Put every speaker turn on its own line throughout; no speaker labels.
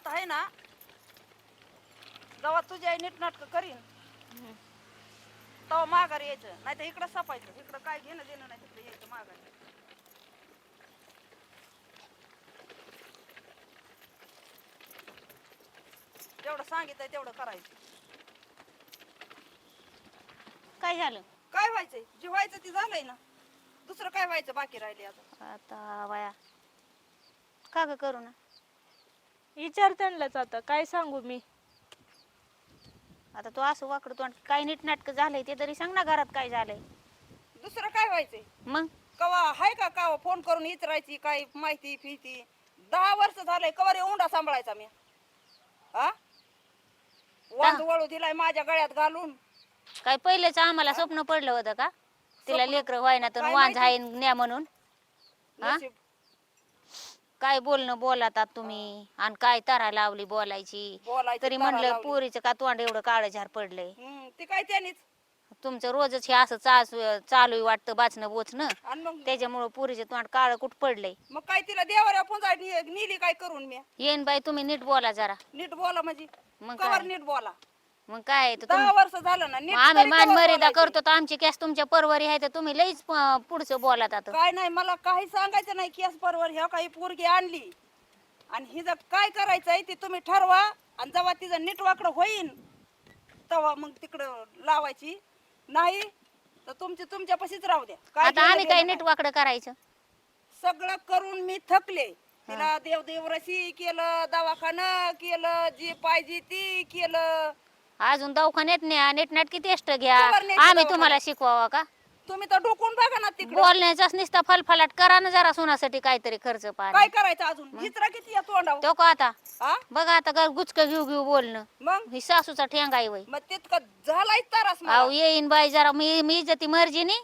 आता आहे ना जेव्हा तुझी आई नीट नाटक करीन तेव्हा माघारी यायचं, नाही तर इकडं सापायचं. इकडं काय घेणं देणं नाही, तिकडे यायचं माघारी. जेवढं सांगितलंय तेवढं करायचं.
काय झालं
काय व्हायचंय? जे व्हायचं ते झालंय ना, दुसरं काय व्हायचं बाकी राहिले आता?
आता वया का ग करू ना
विचार त्यांनाच आता काय सांगू मी.
आता तू असं वाकडं तोंड काय नीट नाटक झालंय ते तरी सांग ना, घरात काय झालंय.
दुसरं काय व्हायचंय?
मग
कवा हाय का का फोन करून विचारायची काय माहिती फिती? 10 वर्ष झालंय कवर उंडा सांभाळायचा मी. हा वांद वळू दिलाय माझ्या गळ्यात घालून.
काय पहिलेच आम्हाला स्वप्न पडलं होतं का तिला
स्वप्न?
लेकर व्हायना तर
काय
वांझ आहे
माहिती?
न्या म्हणून? हा?
नशीब.
काय बोलणं बोलातात तुम्ही आणि काय तारा लावली बोलायची.
बोलायची
तरी
तारा
म्हणलं
लावली.
पोरीचं का तोंड एवढं काळं झार पडलंय.
ते काय त्यानीच.
तुमचं रोजच हे असं चालू वाटतं बाचणं बोचणं,
आणि मग
त्याच्यामुळं पोरीचं तोंड काळं कुठ पडलंय.
मग काय तिला देवाऱ्या पुंजा नेली काय करून मी?
येईन बाई तुम्ही नीट बोला जरा.
नीट बोला म्हणजे
मग
कवर
काय
नीट बोला.
मग काय तर
10 वर्ष झालं ना नीट
आम्ही
तरी
मान
कवर
मर्यादा
बोलायचं.
करतो तर आमची कॅस तुमच्या परवारी आहे तर तुम्ही लईच पुढचं बोलात आता.
काय नाही मला काही सांगायचं नाही. केस परवर ह्या काही पोरगी आणली आणि हिचं काय करायचंय ते तुम्ही ठरवा. आणि जेव्हा तिचं नीट वाकडं होईन तेव्हा मग तिकडं लावायची. नाही तर तुमची तुमच्यापाशीच राहू द्या. काय
आता आम्ही
घेणं
काय
देणं
नीट
नाही.
वाकडं करायचं?
सगळं करून मी थकले. तिला देवदेवरशी केलं, दवाखाना केलं, जी पाहिजे ती केलं.
अजून दवाखान्यात न्या, नीटनाटकी टेस्ट घ्या.
कवर न्यायचं
आम्ही
दवाखान्यात?
तुम्हाला शिकवावा का?
तुम्ही तर डोकून बघा ना तिकडं.
बोलण्याचाच नुसता फलफलाट करा ना जरा सुनासाठी काहीतरी खर्च
काय
पाणी.
करायचं अजून? हिचरा किती या तोंडावर?
तो का आता
हा
बघा आता गुचक घेऊ घेऊ बोलणं.
मग
ही सासूचा ठेंगा आहे वय.
मग तितकं झालाय तारास मला.
अहो येईन बाई जरा मी इज्जती मर्जीनी.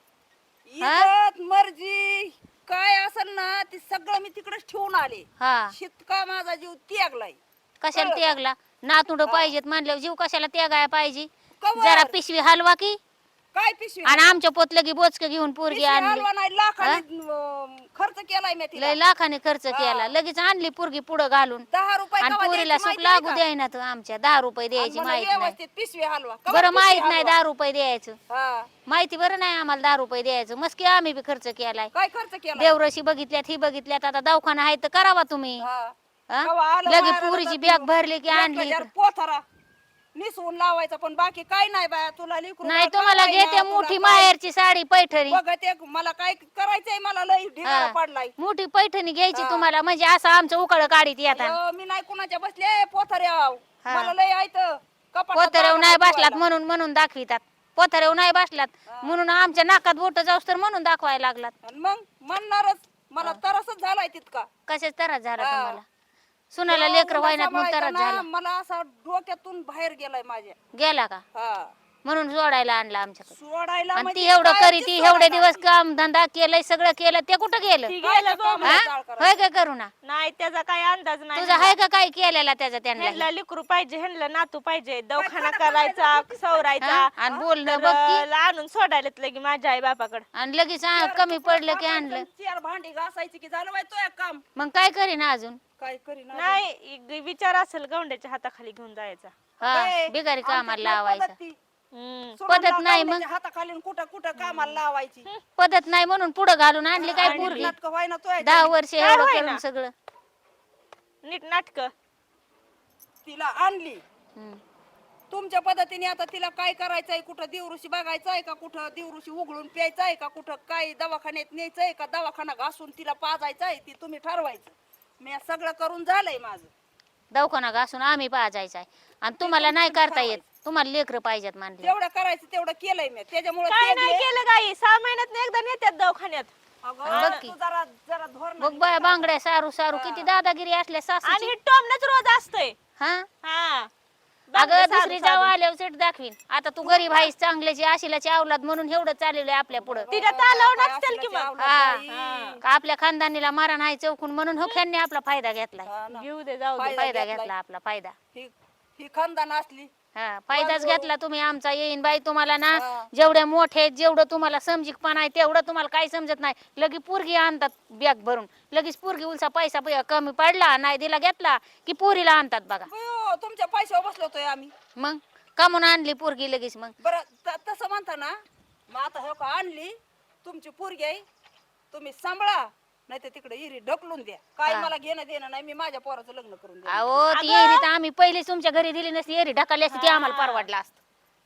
इज्जत मर्जी काय असेल ना ते सगळं मी तिकडेच ठेवून आले.
हा
शितका माझा जीव त्यागलाय.
कशाला
कळलं का?
त्यागला? नातुंड पाहिजेत म्हणल्यावर जीव कशाला त्यागाय पाहिजे?
कवर.
जरा पिशवी हलवा की.
काय पिशवी?
आणि आमच्या पोतलं की बोचक घेऊन पोरगी
पिशवी
आणली.
हलवा नाही, लाखाने खर्च केलाय मी तिला.
लय लाखाने खर्च केला, लगेच आणली पोरगी पुढं घालून.
10 रुपये
आणि
कवा
पोरीला
द्यायची
सुख
माहिती
लागू
नाही
द्यायना तर आमच्या 10 रुपये
का?
द्यायची
आणि मला
माहित नाही.
व्यवस्थित पिशवी हलवा. कवा
बरं
पिशवी
माहित नाही
हलवा?
10 रुपये द्यायचं.
हा.
माहिती बरं नाही आम्हाला 10 रुपये द्यायचं. मस्की आम्ही बी खर्च केलाय.
काय खर्च केला?
देवरशी बघितल्यात ही बघितल्यात आता दवाखाना आहे तर करावा तुम्ही.
हा.
हा?
कवा आलं
लगे
वाराला
पुरीची
तर
बॅग भरली की आणली
1,000
इकडं.
पोथरा निसवून लावायचा. पण बाकी काय नाही बाया. तुला लेकरू
नाही
बाळ
तुम्हाला
घालायला,
घेते
तुला
मोठी
काय
माहेरची साडी पैठणी.
बघते मला काय करायचंय. मला लई ढिगारा
हा.
पडलाय.
मोठी पैठणी घ्यायची
हा.
तुम्हाला म्हणजे असं आमचं उकाळ काढीत येतात.
अयो, मी नाही कुणाच्या बसले पोथऱ्याव.
हा.
मला लई ऐतं
पोतरेव नाही बसलात म्हणून दाखवितात. पोतरेव नाही बसलात
हा.
म्हणून आमच्या नाकात बोट जाऊस तर म्हणून दाखवायला लागलात.
मग म्हणणारच मला तरसच झालाय तितका.
कशाच त्रास झाला
हा.
तुम्हाला? सुनाला
एवढा
लेकर व्हायनात म्हणून
सांभाळायचा
त्रास
ना,
झाला.
मला असा डोक्यातून बाहेर गेलाय माझ्या.
गेला का
हा.
म्हणून जोडायला आणला आमच्याकडे.
सोडायला
आणि
म्हणजे
ती एवढं
काय
करी
ती
ती
सोडायला
एवढे दिवस
आणली?
काम धंदा केलंय सगळं केलं ते कुठं गेलं?
ती
काय
गेलं
त्या
गं.
कामाला
हा?
जाळ करायचं?
होय का करू ना?
नाही त्याचा काय अंदाज नाही.
तुझा आहे का काय केलेला त्याचा त्यांना
ह्यांना लेकरू पाहिजे, ह्यांना नातू पाहिजे, दवाखाना
खाणं
करायचा,
करायचं,
सवरायचा.
आणि बोलणं
तर
बघ की.
आणून सोडायला लगे माझ्या आई बापाकडे.
आणि लगेच कमी पडलं की आणलं.
चार भांडी घासायची की झालं बाई तो एक काम.
मग काय करीना अजून?
काय करीना अजून?
नाही विचार असेल गवंड्याच्या हाताखाली घेऊन जायचा.
हा
ए,
बिगारी कामाला
आमच्यात नाही
लावायचं.
पद्धत ती.
हम्म.
सोडून
पद्धत नाही मग.
लावण्याच्या हाताखाली कुठं कुठं कामाला लावायची.
पद्धत नाही म्हणून पुढं घालून आणली काय
आणि
पोरगी?
नाटकं व्हायना तो आहे.
10 वर्ष
काय
एवढं
होईना?
करून सगळं.
नीट नाटक.
तिला आणली
हम्म.
तुमच्या पद्धतीने. आता तिला काय करायचंय? कुठं देवऋषी बघायचंय का? कुठं देवऋषी उघडून प्यायचंय का? कुठं काय दवाखान्यात न्यायचंय का? दवाखाना घासून तिला पाजायचंय ती तुम्ही ठरवायचं. मी सगळं करून झालंय माझं.
दवाखाना घासून आम्ही पाजायचा आहे आणि तुम्हाला नाही करता येत. तुम्हाला लेकरं पाहिजेत मानले.
तेवढं करायचं तेवढं केलंय मी. त्याच्यामुळे
काय नाही केलं गाई. 6 महिन्यात एकदा नेत्यात दवाखान्यात.
बघ की.
तू जरा जरा धोरण
बघ बाय बांगड्या सारू सारू किती दादागिरी असल्या
आणि
सासूची.
हे टोमनच रोज असतंय.
हा
हा.
अगं दुसरी जाऊ आल्यावर सेट दाखवीन. आता तू गरीब आहेस चांगल्याची आशिलाची अवलाद म्हणून एवढं चाललेलं आहे आपल्या पुढं.
तिला तालव नसतील की मग.
हा. का आपल्या खानदानीला मारा नाही चौकून म्हणून हुक्यांनी आपला फायदा घेतलाय.
घेऊ दे जाऊ दे.
फायदा घेतला आपला फायदा.
ही खानदान असली
हा फायदाच
वाजवू.
घेतला तुम्ही आमचा. येईन बाई तुम्हाला ना
हा.
जेवढ्या मोठे आहेत, जेवढं तुम्हाला समजिकपणा आहे तेवढं तुम्हाला काही समजत नाही. लगेच पोरगी आणतात बॅग भरून, लगेच पोरगी उलसा पैसा कमी पडला नाही दिला घेतला की पोरीला आणतात बघा.
अयो, तुमच्या पैशावर बसलो होतोय आम्ही.
मग कमून आणली पोरगी लगेच. मग
बरं तसं म्हणता ना, मग आता हो का आणली तुमची पोरगी आहे, तुम्ही सांभाळा, नाही तर तिकडे इरी ढकलून द्या. काय
हा.
मला घेणं देणं नाही, मी माझ्या पोराचं लग्न करून द्या.
अहो ती एरी तर आम्ही पहिली तुमच्या घरी दिली नसती, एरी ढकलली असती, ती आम्हाला परवडला असतं.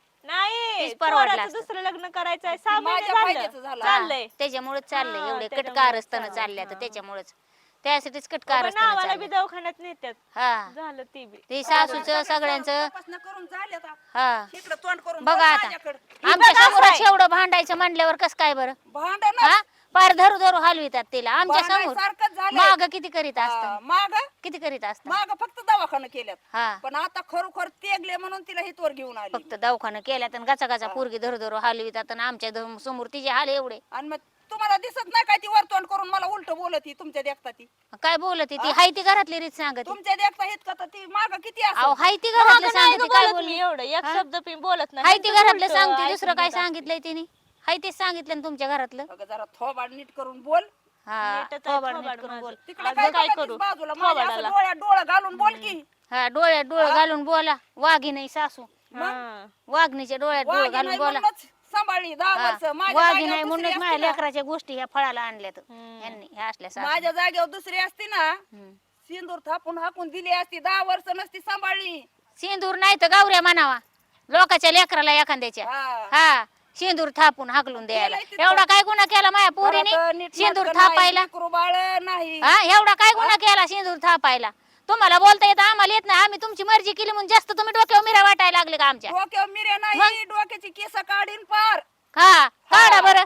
नाही
तीच परवडलं
पोराचं
असतं.
दुसरं लग्न करायचं आहे 6
माझ्या
महिने
फायद्याचं
झालं
झालं.
चाललंय.
त्याच्यामुळेच चाललंय
हा,
एवढे
त्याच्यामुळेच
कटकार असताना
चाललंय.
चालले आता
हा.
त्याच्यामुळेच. त्यासाठीच कटकार
बाबा
असताना
नावाला बी
चाललंय.
दवाखान्यात नेत्यात.
हा
झालं ती बी.
ते सासूचं सगळ्यांचं.
तपासण्या करून झाले आता.
हा
इकडं तोंड करून
बघा
बघ
आता
माझ्याकडं.
आमच्या
बघा
समोरच
काय.
एवढं भांडायचं म्हणल्यावर कस काय बरं.
भांडण
हा पार धरू धरू हलवितात तिला आमच्या समोर.
सारखंच झालं.
माग किती करीत असत,
माग
किती करीत असत.
माग फक्त दवाखाना केल्यात,
हा
पण आता खरोखर तेगले म्हणून तिला हितवर घेऊन आली.
फक्त दवाखाना केल्यात आणि गाचा गाचा पोरगी धरू धरू हलवितात आणि आमच्या समोर तिचे हाल एवढे.
आणि मग तुम्हाला दिसत नाही काय ती वर तोंड करून मला उलट बोलत ही तुमच्या देखता ती
काय बोलत ती हाय ती घरातली रीत सांगत.
तुमच्या देखता इतका तर ती माग किती
अहो
असं.
हाय ती
मागं
घरातलं
नाही
सांगते
गं
काय
बोलत
बोलली.
मी एवढं एक
हा?
शब्द पण बोलत नाही.
हाय ती
नुसतं
घरातलं
उलटं
सांगते,
ऐकून
दुसरं काय
घेत असते.
सांगितलंय तिने. हाय तेच सांगितलं ना तुमच्या घरातलं.
अगं जरा थोबाड नीट करून बोल.
हा
नीटच आहे
थोबाड
थोबाड
नीट करून
माझं.
बोल.
तिकडे
अगं
काय
काय
बघतीस
करू?
बाजूला माझ्या असं
थोबाडाला.
डोळ्यात डोळं घालून बोल की.
हा डोळ्यात डोळं घालून बोला. वाघी नाही सासू,
हा.
वाघणीच्या डोळ्यात डोळं
वाघी
घालून
नाही
बोला.
म्हणूनच सांभाळली 10
हा.
वर्ष. माझ्या
वाघी
जागेवर
नाही
दुसरी
म्हणूनच
असती
माझ्या
ना.
लेकराच्या गोष्टी ह्या फळाला आणल्यात यांनी ह्या असल्या सासू.
माझ्या जागेवर दुसरी असती ना,
हम्म.
सिंदूर थापून हाकून दिली असती. 10 वर्ष नसती सांभाळली.
सिंदूर नाही तर गावऱ्या म्हणावा लोकाच्या लेकराला एखाद्याच्या.
हा.
हा सिंदूर थापून हाकलून द्यायला.
केलंय तिथं.
एवढा काय गुन्हा केला माझ्या
घरात
पोरीने
नीट
सिंदूर
नाटकं नाही,
थापायला.
लेकरू बाळ नाही.
हा एवढा काय गुन्हा केला सिंदूर थापायला. तुम्हाला बोलता येत आम्हाला येत नाही. आम्ही तुमची मर्जी केली म्हणून जास्त तुम्ही डोक्यावर मिरा वाटायला लागले का आमच्या.
डोक्यावर मिऱ्या नाही, डोक्याची केस काढीन पार.
हा काढा बरं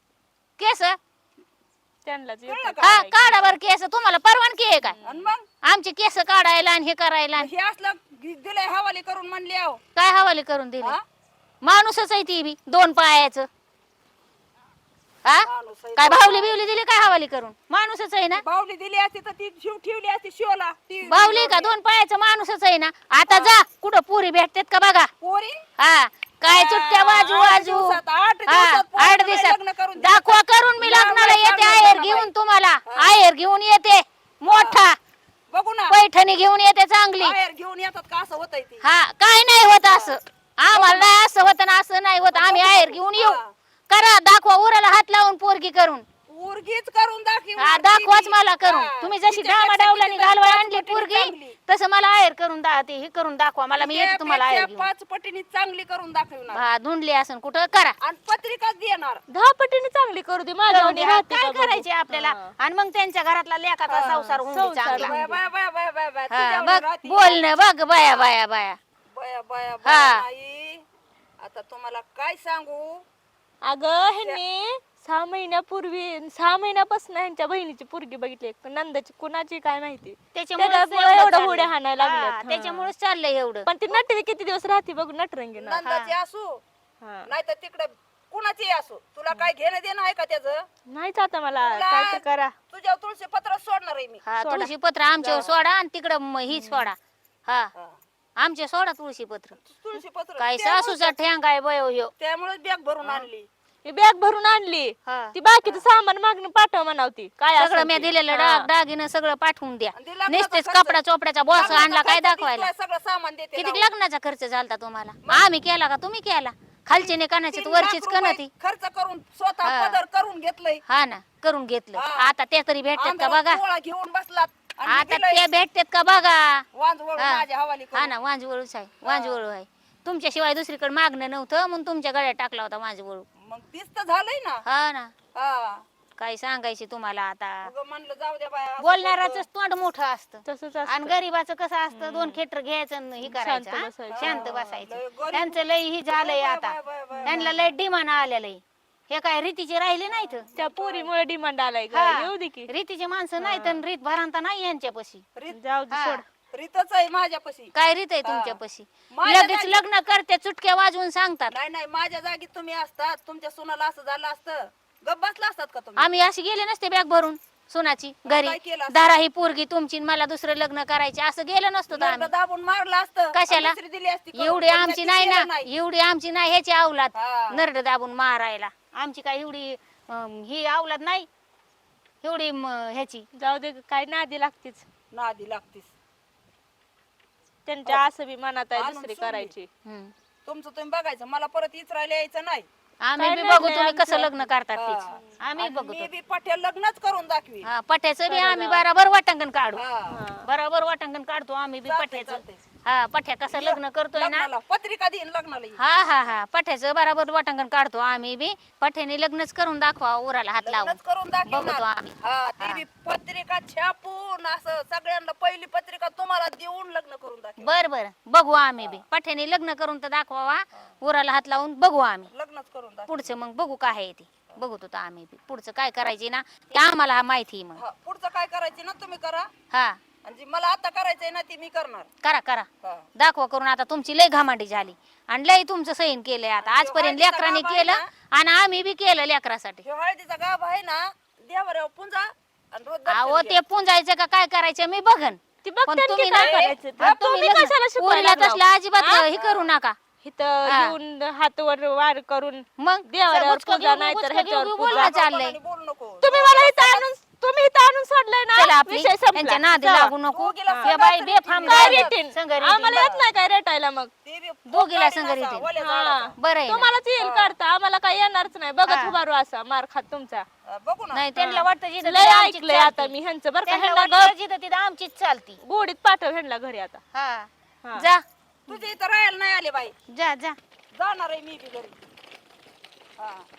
केस.
त्यांनाच
कळलं
येतं
का?
हा
करायचं.
काढा बरं केस. तुम्हाला परवानगी आहे काय
आणि मग
आमचे केस काढायला आणि हे करायला.
हे असलं दिलंय हवाली करून म्हणले आहो.
काय हवाली करून दिली.
हा?
माणूसच आहे ती बी 2 पायाचं. हा
माणूस आहे.
काय भावली बिवली दिली काय हवाली करून. माणूसच आहे ना.
बावली दिली असती तर ती शिव ठेवली असती शिवला. ती
बावली का 2 पायाचं माणूसच आहे ना. आता जा कुठं पुरी भेटतेत का बघा.
पोरी
हा काय चुटक्या वाजू
8
वाजू.
दिवसात, 8
हा
दिवसात पोराला
8 दिवसात
लग्न करून दिलं.
दाखवा करून मी लग्नाला
लांब
येते.
लांब
आहेर
लांब
घेऊन
लांब.
तुम्हाला
हा.
आहेर घेऊन येते मोठा
बघू ना
पैठणी घेऊन येते चांगली.
बाहेर घेऊन येतात का असं होतंय ती.
हा काय नाही होत असं. आम्हाला नाही असं होत ना असं नाही होत. आम्ही आहेर घेऊन येऊ.
हा.
करा दाखवा उराला हात लावून पोरगी करून.
पोरगीच करून दाखव.
हा दाखवाच मला करून. तुम्ही जशी डामाडावलानी घालवा आणली पोरगी तसं मला आहेर करून ते हे करून दाखवा मला. मी येते तुम्हाला आहेर घेऊन.
5 पटीने चांगली करून दाखवणार
हा धुंडली असन कुठं करा.
आणि पत्रिकाच देणार.
10 पटीने चांगली करू दे माझ्या
करून
वाणी
द्या.
राहते
काय
का बघू.
करायचे आपल्याला. आणि मग त्यांच्या घरातला लेखाचा संसार होऊन दे
संसार
चांगला.
बाया बाया बाया बाया बाया बाया.
हा
तुझ्यावर
बघ
राहती.
बोलणं बघ बाया बाया बाया.
बाया बाया
हा.
बाया नाही. आता तुम्हाला काय सांगू.
अगं ह्यांनी 6 महिन्यापूर्वी 6 महिन्यापासून ह्यांच्या बहिणीची पोरगी बघितली नंदाची कुणाची काय माहिती. त्याच्यामुळे एवढं होड्या हाणायला लागल्यात.
त्याच्यामुळेच चाललंय एवढं.
पण ती नटवी किती दिवस राहते बघ नटरंगी ना.
नंदाची असू
हा.
नाही तर तिकडे कुणाची असू. तुला काय घेणं देणं आहे का त्याचं.
नाहीच आता मला
तुला-
काय तर करा.
तुझ्या तुळशी पत्र सोडणार आहे मी.
हा
सोडा.
तुळशी पत्र आमच्यावर सोडा आणि तिकडं ही सोडा. हा
हा.
आमच्या सोडा तुळशी पत्र.
तुळशी पत्र
काय सासूचा ठेंगा आहे बयो ह्यो.
त्यामुळे बॅग भरून आणली.
ही बॅग भरून आणली.
हा.
ती बाकीचं सामान मागणं पाठव म्हणावती काय
सगळं
असेल
मी
ते.
दिलेलं
हा.
दागिनं सगळं पाठवून द्या.
आणि ते लग्नाचा
नुसतेच
खर्च-
कपडा चोपड्याचा बॉस
लग्नाचा
आणला काय
खर्च
दाखवायला.
दिसतोय, सगळं सामान देते
किती
लावून.
लग्नाचा खर्च झालता तुम्हाला. आम्ही केला का तुम्ही केला. खालची ने कणाची
3
वरचीच
लाख
कणती.
रुपये खर्च करून स्वतः
हा.
पदर करून घेतलंय.
हा ना करून घेतलं.
हा.
आता ते तरी भेटतात का
अंगावर
बघा.
पोळा घेऊन बसलात आणि
आता
दिलंय
ते भेटतात का बघा.
वांजवळ
हा.
माझ्या हवाली करून.
हा ना वांजवळूच आहे वांजवळू आहे. तुमच्याशिवाय दुसरीकडे मागणं नव्हतं म्हणून तुमच्या गळ्यात टाकला होता वांजवळू.
मग तीच तर झालंय ना.
हा ना
हा.
काय सांगायचे तुम्हाला आता.
उगं म्हणलं जाऊ द्या बाया असं
बोलणाराच
करतो.
तोंड मोठं असतं
तसंच
आणि
असतं.
गरीबाचं कसं असतं 2 खेटर घ्यायचं आणि हे करायचं
शांत
हा?
बसायचं.
शांत
लय
बसायचं.
गरीब-
त्यांचं लय ही झालंय
बाय,
आता.
बाय, बाय, बाय,
त्यांना लय डिमांड आलेलं हे काय रीतीचे राहिले नाहीत.
त्या पोरीमुळे डिमांड आलाय का
हा.
येऊ दे की.
रीतीचे माणसं नाहीत आणि रीत भरांता नाही यांच्यापाशी.
रीत-
जाऊ दे
हा.
सोड.
रीतच आहे माझ्यापाशी.
काय रीत आहे तुमच्यापाशी.
माझ्या
लगेच
जागी-
लग्न करते चुटक्या वाजवून सांगतात.
नाही नाही माझ्या जागी तुम्ही असतात तुमच्या सुनाला असं झालं असतं गप बसला असतात का तुम्ही.
आम्ही अशी गेले नसते बॅग भरून. सुनाची
काय
घरी
केलं असतं?
दारा ही पोरगी तुमची आणि मला दुसरं लग्न करायचे असं गेलं नसतं तर
नरड
आम्ही
दाबून मारलं असतं
कशाला?
आणि दुसरी दिली असती करून.
एवढी
पण
आमची
ती
नाही
केलं
ना एवढी आमची नाही ह्याची अवलाद
हा.
नरड दाबून मारायला आमची काय एवढी ही अवलाद नाही एवढी ह्याची
जाऊ दे काय नादी लागतीच
नादी लागतीस
त्यांच्या असं बी मनात आहे
आणून
दुसरी
सोडली.
करायची
हम्म.
तुमचं तुम्ही बघायचं मला परत इचरायला यायचं नाही
आम्ही
काय
बी
नाही
बघू
नाही
तुम्ही कसं
आमचं.
लग्न करतात
हा.
तेच आम्ही
आणि
बघू
मी बी पठ्या लग्नच करून दाखवी
हा पठ्याचं बी
खरं
आम्ही
राव.
बरोबर वाटांगण काढू
हा.
बरोबर वाटांगण काढतो आम्ही बी
चालतंय,
पठ्याचं
चालतंय.
हा पठ्या कसं लग्न करतोय ना
लग्नाला पत्रिका देईन लग्नाला ये.
हा हा हा पठ्याचं बरोबर वाटांगण काढतो आम्ही बी पठ्याने लग्नच करून दाखवा उराला हात लावून
लग्नच करून
बघतो
दाखवणार
आम्ही
हा ती
हा.
बी पत्रिका छापून असं सगळ्यांना पहिली पत्रिका तुम्हाला देऊन लग्न करून दाखव
बर बर बघू आम्ही बी पठ्याने लग्न करून तर दाखवावा उराला हात लावून बघू आम्ही
लग्नच करून दाखव
पुढचं मग बघू काय आहे ते बघू तो आम्ही बी पुढचं काय करायचे ना ते आम्हाला माहिती आहे मग
हा, पुढचं काय करायचं ना तुम्ही करा
हा
आणि जी मला आता करायचंय ना ती मी करणार
करा करा
हा.
दाखवा करून आता तुमची लय घामांडी झाली आणि लय तुमचं सहीन केलंय आता
आणि
आजपर्यंत
हळदीचा
लेकरांनी
गाभा आहे
केलं
ना?
आणि आम्ही बी केलं लेकरासाठी
ह्यो हळदीचा गाभ आहे ना देवाऱ्यावर पुंजा आणि रोज दर्शन
अहो
घ्या.
ते पुंजायचं का काय करायचं मी बघन
ती
पण
बघते
तुम्ही
की
ना
काय करायचं ते.
आणि तुम्ही
तुम्ही कशाला
लग्न-
शिकवायला
पोरीला
लागलाव?
तसलं अजिबात
हा?
हे करू नका
इथं
हा.
घेऊन हातवर वार करून
मग
देवाऱ्यावर
गुचकं
पूजा
घेऊ,
नाही तर
गुचकं
ह्याच्यावर
घेऊ,
पूजा.
बोलणं चाललंय
आणि बोलू नको
तुम्ही मला तुम्ही इथं आणून सोडलंय
चला
ना
आपली
विषय
त्यांच्या
संपला
नादी
चला.
लागू नको
दोघीला
हे
संघ
बाई
रेटीन
बेफाम
काय
झाली.
रेटीन
संघ रेटीन
आम्हाला येत नाही काय रेटायला मग
ते बी
दोघीला
गाडीनं
संग
असा,
रेटीन.
वल्या
हा.
झाडाचा.
बरं आहे ना.
तुम्हालाच येईल काढता आम्हाला काय येणारच नाही बघत
हा.
उभारू असा मार खात तुमचा
बघू ना
नाही त्यांना वाटतं जिथं
लय
तिथं आमचीच
ऐकलंय आता
चालती.
मी ह्यांचं बरं का
त्यांना
ह्यांना
वाटतं जिथं तिथं आमचीच चालती
गोडीत पाठव ह्यांना घरी आता
हा
हा.
जा
तुझे इथं राहायला नाही आले बाई
जा जा
जाणार आहे मी बी घरी हा